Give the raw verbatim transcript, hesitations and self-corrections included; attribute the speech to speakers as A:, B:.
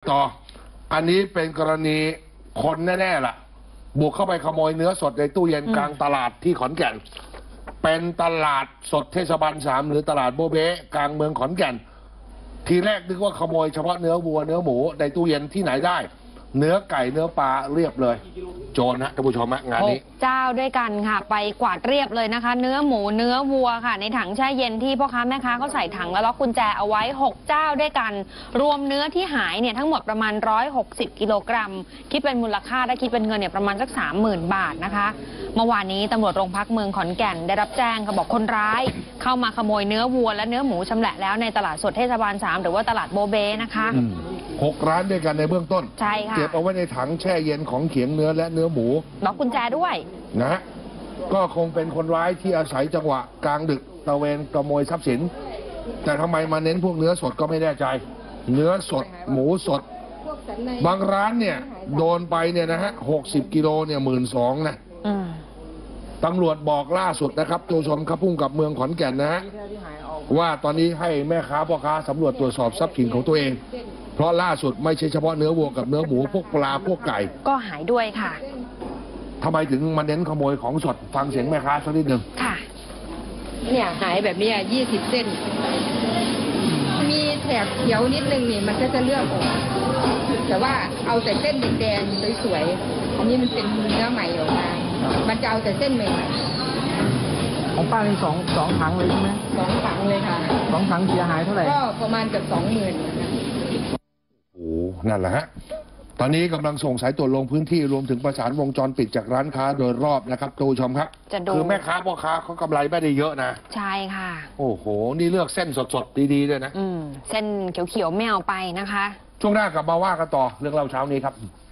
A: ต่ออันนี้เป็นกรณีคนแน่ๆล่ะบุกเข้าไปขโมยเนื้อสดในตู้เย็นกลางตลาดที่ขอนแก่นเป็นตลาดสดเทศบาลสามหรือตลาดโบเบ้กลางเมืองขอนแก่นทีแรกนึกว่าขโมยเฉพาะเนื้อวัวเนื้อหมูในตู้เย็นที่ไหนได้เนื้อไก่เนื้อปลาเรียบเลยโจรนะท่านผู้ชมงานนี้
B: เจ้าด้วยกันค่ะไปกวาดเรียบเลยนะคะเนื้อหมูเนื้อวัวค่ะในถังแช่เย็นที่พ่อค้าแม่ค้าเขาใส่ถังแล้วล็อกกุญแจเอาไว้หกเจ้าด้วยกันรวมเนื้อที่หายเนี่ยทั้งหมดประมาณหนึ่งร้อยหกสิบกิโลกรัมคิดเป็นมูลค่าได้คิดเป็นเงินเนี่ยประมาณสัก สามหมื่น บาทนะคะเมื่อวานนี้ตำรวจโรงพักเมืองขอนแก่นได้รับแจ้งเขาบอกคนร้ายเข้ามาขโมยเนื้อวัวและเนื้อหมูชำแหละแล้วในตลาดสดเทศบาลสามหรือว่าตลาดโบเบ้นะคะ
A: หกร้านด้วยกันในเบื้องต้น
B: ใช่ค่ะ
A: เก็บเอาไว้ในถังแช่เย็นของเขียงเนื้อและเนื้อหมู
B: ล็อกกุญแจด้วย
A: นะฮะก็คงเป็นคนร้ายที่อาศัยจังหวะกลางดึกตระเวนขโมยทรัพย์สินแต่ทำไมมาเน้นพวกเนื้อสดก็ไม่แน่ใจเนื้อสดหมูสดบางร้านเนี่ยโดนไปเนี่ยนะฮะหกสิบกิโลเนี่ยหมื่นสองนะตำรวจบอกล่าสุดนะครับตัวชมครับพุ่งกับเมืองขอนแก่นนะฮะว่าตอนนี้ให้แม่ค้าพ่อค้าสำรวจตรวจสอบทรัพย์สินของตัวเองเพราะล่าสุดไม่ใช่เฉพาะเนื้อวัวกับเนื้อหมูพวกปลาพวกไก่
B: ก็หายด้วยค่ะ
A: ทำไมถึงมาเน้นขโมยของสดฟังเสียงแม่ค้าสักนิดหนึ่ง
C: ค่ะเนี่ยหายแบบนี้ยี่สิบเส้นมีแถบเขียวนิดนึงนี่มันก็จะเลือกออกแต่ว่าเอาแต่เส้นแดงๆสวยๆอันนี้มันเป็นเนื้อใหม่ออกมามันจะเอาแต่เส้นใหม่
D: ของป้าเป็นสองสองถังเลยใช่ไหม
C: สองถังเลยค่ะ
D: สองถังเสียหายเท่าไหร่
C: ก็ประมาณเกือบสองหมื่น
A: โอ้นั่นแหละฮะตอนนี้กำลังส่งสายตรวจลงพื้นที่รวมถึงประสานวงจรปิดจากร้านค้าโดยรอบนะครับตูชมครับคือแม่ค้าพ่อค้าเขากำไรไม่ได้เยอะนะ
B: ใช่ค่ะ
A: โอ้โหนี่เลือกเส้นสดๆดีๆด้วยนะ
B: อืมเส้นเขียวๆไม่เอาไปนะคะ
A: ช่วงหน้ากลับมาว่ากันต่อเรื่องเล่าเช้านี้ครับ